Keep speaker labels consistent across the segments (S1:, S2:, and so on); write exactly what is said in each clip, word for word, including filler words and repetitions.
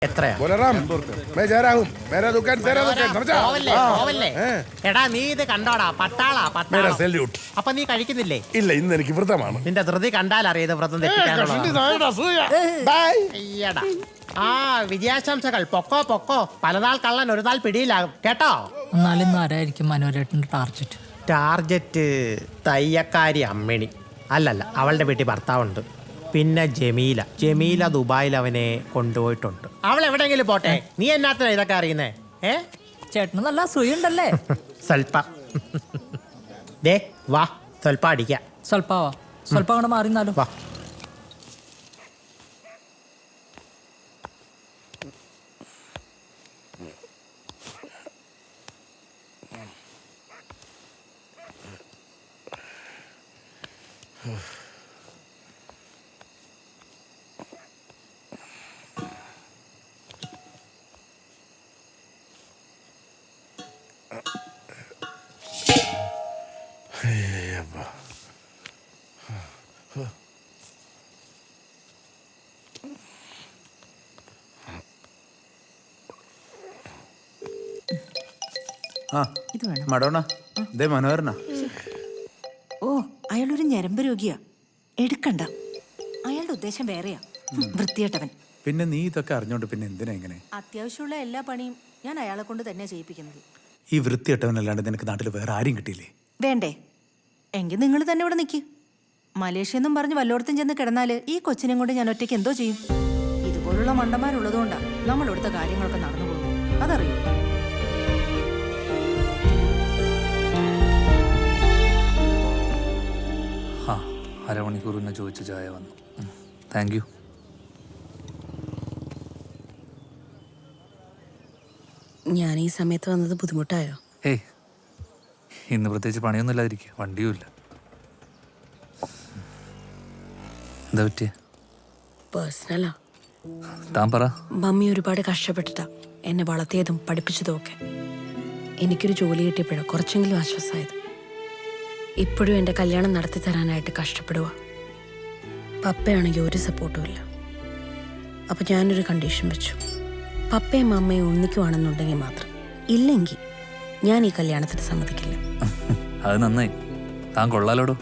S1: എത്രയാ?
S2: मैं जा रहा हूँ मेरा दुकान तेरा दुकान समझा
S1: പോവല്ലേ, പോവല്ലേ. എടാ നീ ഇത് കണ്ടോടാ, പട്ടാളാ
S2: मेरा
S1: പട്ടാളം.
S2: सैल्यूट
S1: അപ്പൊ നീ കഴിക്കുന്നില്ലേ?
S2: ഇല്ല ഇന്ന് എനിക്ക് വ്രതമാണ്
S1: നിന്റെ ധൃതി കണ്ടാലറിയത് വ്രതം തെറ്റിക്കാനുള്ളതാണ്.
S2: ബൈ
S1: അയ്യടാ. ആ വിജയാശംസകൾ. പൊക്കോ പൊക്കോ, പലനാൾ കള്ളൻ ഒരു നാൾ പിടിയിലാകും കേട്ടോ.
S3: എന്നാലും ആരായിരിക്കും മനോരേട്ടൻ്റെ ടാർജറ്റ്?
S1: ടാർജറ്റ് തയ്യക്കാരി അമ്മിണി. അല്ലല്ല, അവളുടെ വീട്ടിൽ ഭർത്താവുണ്ട്. പിന്നെ ജമീല. ജമീല ദുബായിൽ അവനെ കൊണ്ടുപോയിട്ടുണ്ട്. അവൾ എവിടെയെങ്കിലും പോട്ടെ, നീ എന്നാത്തിനാ ഇതൊക്കെ അറിയുന്നേ? ഏ
S3: ചേട്ടന് നല്ല അസൂയുണ്ടല്ലേ?
S1: സ്വൽപ്പ ദേ വാ, സ്വൽപ്പ അടിക്കാം.
S3: സ്വൽപ്പാവാ, സ്വൽപ്പം അങ്ങോട്ട് മാറിന്നാലോ.
S1: വാ.
S4: ആ മഡോണ ദേ മനോഹരനാ.
S5: ഓ അയാളൊരു ഞരമ്പ് രോഗിയാ, എടുക്കണ്ട. അയാളുടെ ഉദ്ദേശം വേറെയാ, വൃത്തിയേട്ടവൻ.
S4: പിന്നെ നീ ഇതൊക്കെ അറിഞ്ഞോണ്ട് പിന്നെ എന്തിനാ ഇങ്ങനെ?
S5: അത്യാവശ്യമുള്ള എല്ലാ പണിയും ഞാൻ അയാളെ കൊണ്ട് തന്നെ ചെയ്യിപ്പിക്കുന്നത്.
S4: ഈ വൃത്തിയിട്ടവനല്ലാണ്ട് നിനക്ക് നാട്ടിൽ വേറെ ആരും കിട്ടിയില്ലേ?
S5: വേണ്ടേ? എങ്കിൽ നിങ്ങൾ തന്നെ ഇവിടെ നിൽക്കി. മലേഷ്യ എന്നും പറഞ്ഞ് വല്ലോടത്തും ചെന്ന് കിടന്നാല് ഈ കൊച്ചിനെ കൊണ്ട് ഞാൻ ഒറ്റയ്ക്ക് എന്തോ ചെയ്യും? ഇതുപോലുള്ള മണ്ടന്മാരുള്ളതുകൊണ്ടാ നമ്മൾ ഇവിടുത്തെ കാര്യങ്ങളൊക്കെ നടന്നു പോകുന്നത്, അതറിയോ?
S6: ആ അരമണിക്കൂർ പിന്നെ ചോദിച്ച ചായ വന്നു. Thank you.
S5: ഞാൻ ഈ സമയത്ത് വന്നത് ബുദ്ധിമുട്ടായോ?
S6: ഏയ് ഇന്ന് പ്രത്യേകിച്ച് പണിയൊന്നും ഇല്ലാതിരിക്കുക, വണ്ടിയും ഇല്ല. എന്താ പറ്റിയ?
S5: പേഴ്സണലാ.
S6: താൻ പറ.
S5: മമ്മി ഒരുപാട് കഷ്ടപ്പെട്ടിട്ടാ എന്നെ വളർത്തിയതും പഠിപ്പിച്ചതും ഒക്കെ. എനിക്കൊരു ജോലി കിട്ടിയപ്പോഴോ കുറച്ചെങ്കിലും ആശ്വാസമായത്. ഇപ്പോഴും എൻ്റെ കല്യാണം നടത്തി തരാനായിട്ട് കഷ്ടപ്പെടുക. പപ്പയാണെങ്കിൽ ഒരു സപ്പോർട്ടും ഇല്ല. അപ്പം ഞാനൊരു കണ്ടീഷൻ വെച്ചു. പപ്പയും അമ്മയും ഒന്നിക്കുവാണെന്നുണ്ടെങ്കിൽ മാത്രം, ഇല്ലെങ്കിൽ ഞാൻ ഈ കല്യാണത്തിന് സമ്മതിക്കില്ല.
S6: അത് നന്നായി, താൻ കൊള്ളാലോടോ.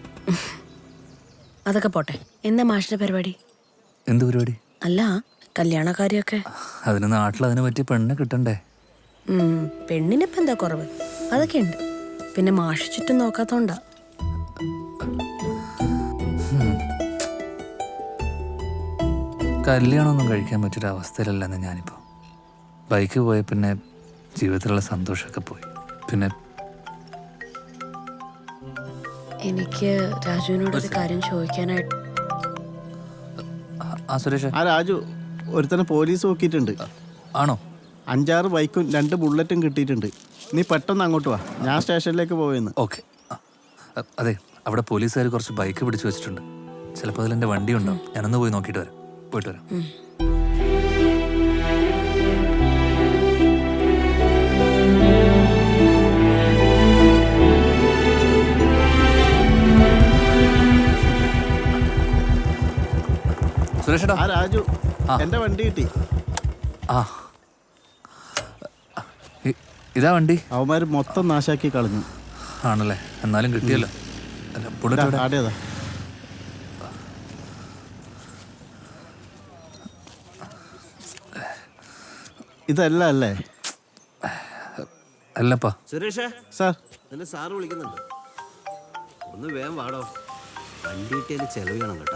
S5: അതൊക്കെ പോട്ടെ, എന്താ മാഷിന്റെ പരിപാടി?
S6: എന്ത് പരിപാടി?
S5: അല്ല, കല്യാണക്കാരിയൊക്കെ.
S6: അതിന് നാട്ടിൽ അതിനെ പറ്റിയ പെണ്ണെ കിട്ടണ്ടേ?
S5: പെണ്ണിനിപ്പം എന്താ കുറവ്? അതൊക്കെ ഉണ്ട്. പിന്നെ മാഷ് ചുറ്റും നോക്കാത്തോണ്ടാ.
S6: കല്യാണമൊന്നും കഴിക്കാൻ പറ്റൊരു അവസ്ഥയിലല്ലെന്ന് ഞാനിപ്പോൾ. ബൈക്ക് പോയ പിന്നെ ജീവിതത്തിലുള്ള സന്തോഷമൊക്കെ പോയി. പിന്നെ
S5: എനിക്ക് രാജുവിനോടൊരു കാര്യം ചോദിക്കാനായിട്ട്.
S6: ആ സുരേഷ്.
S7: ആ രാജു, ഒരുത്തനെ പോലീസ് നോക്കിയിട്ടുണ്ട്.
S6: ആണോ?
S7: അഞ്ചാറ് ബൈക്കും രണ്ട് ബുള്ളറ്റും കിട്ടിയിട്ടുണ്ട്. നീ പെട്ടെന്ന് അങ്ങോട്ട് വാ, ഞാൻ സ്റ്റേഷനിലേക്ക് പോയെന്ന്.
S6: ഓക്കെ. അതെ, അവിടെ പോലീസുകാർ കുറച്ച് ബൈക്ക് പിടിച്ചു വെച്ചിട്ടുണ്ട്. ചിലപ്പോൾ അതിൽ എൻ്റെ വണ്ടി ഉണ്ടാവും. ഞാനൊന്ന് പോയി നോക്കിയിട്ട് വരാം. പോയിട്ട് വരാം. സുരേഷേട്ടാ.
S7: ആ രാജു, എന്റെ വണ്ടി കിട്ടി.
S6: ആ ഇതാ വണ്ടി.
S7: അവന്മാര് മൊത്തം നാശാക്കി കളഞ്ഞു.
S6: ആണല്ലേ? എന്നാലും കിട്ടിയല്ലോ. അല്ല, ബുള്ളറ്റ്
S7: ആടേതാ? ഇതല്ല അല്ലേ?
S6: അല്ലപ്പാ.
S8: സുരേഷേ,
S7: സാർ
S8: എന്നെ സാറ് വിളിക്കുന്നുണ്ട്. ഒന്ന് വേഗം വാടോ, വണ്ടി കിട്ടിയതിന് ചെലവ് ചെയ്യണം കേട്ടോ.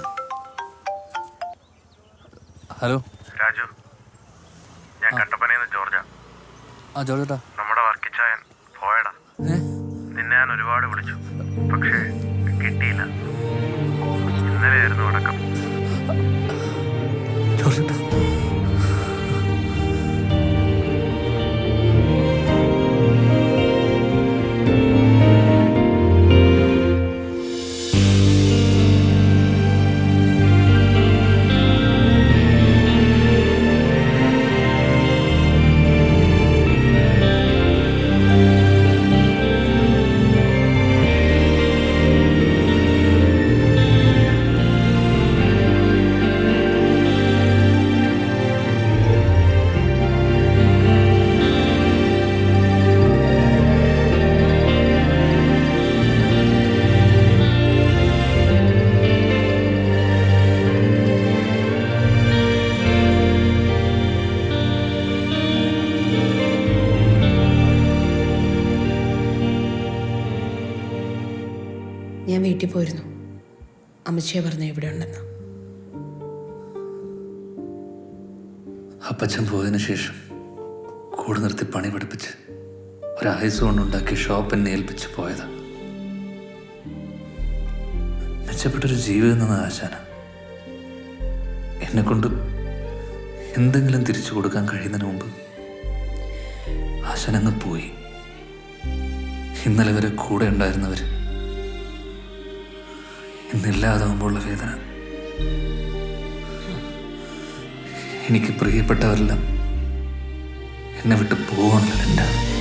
S6: ഹലോ
S9: രാജു, ഞാൻ കട്ടപ്പനയിന്ന് ജോർജാ.
S6: ആ ജോർജേട്ടാ.
S9: നമ്മുടെ വർക്കിച്ചായൻ പോയടാ. നിന്നെ ഞാൻ ഒരുപാട് വിളിച്ചു, പക്ഷേ കിട്ടിയില്ല. ഇന്നലെയായിരുന്നു അടക്കം.
S6: ജോർജേട്ടാ.
S5: വീട്ടിൽ പോയിരുന്നു. അമ്മച്ചിയെ പറഞ്ഞ ഇവിടെ ഉണ്ടെന്ന്.
S6: അപ്പച്ചൻ പോയതിനു ശേഷം കൂടെ നിർത്തി പണി പഠിപ്പിച്ച് ഒരായുസ് കൊണ്ടുണ്ടാക്കിയ ഷോപ്പ് എന്നെ ഏൽപ്പിച്ച് പോയതാ. മെച്ചപ്പെട്ടൊരു ജീവിതം എന്ന ആശാന എന്നെ കൊണ്ട് എന്തെങ്കിലും തിരിച്ചു കൊടുക്കാൻ കഴിയുന്നതിന് മുമ്പ് ആശാൻ അങ്ങ് പോയി. ഇന്നലെ വരെ കൂടെ ഉണ്ടായിരുന്നവർ ഇന്നില്ലാതാവുമ്പോഴുള്ള വേദന, എനിക്ക് പ്രിയപ്പെട്ടവരെല്ലാം എന്നെ വിട്ട് പോവാണല്ലോ എൻ്റെ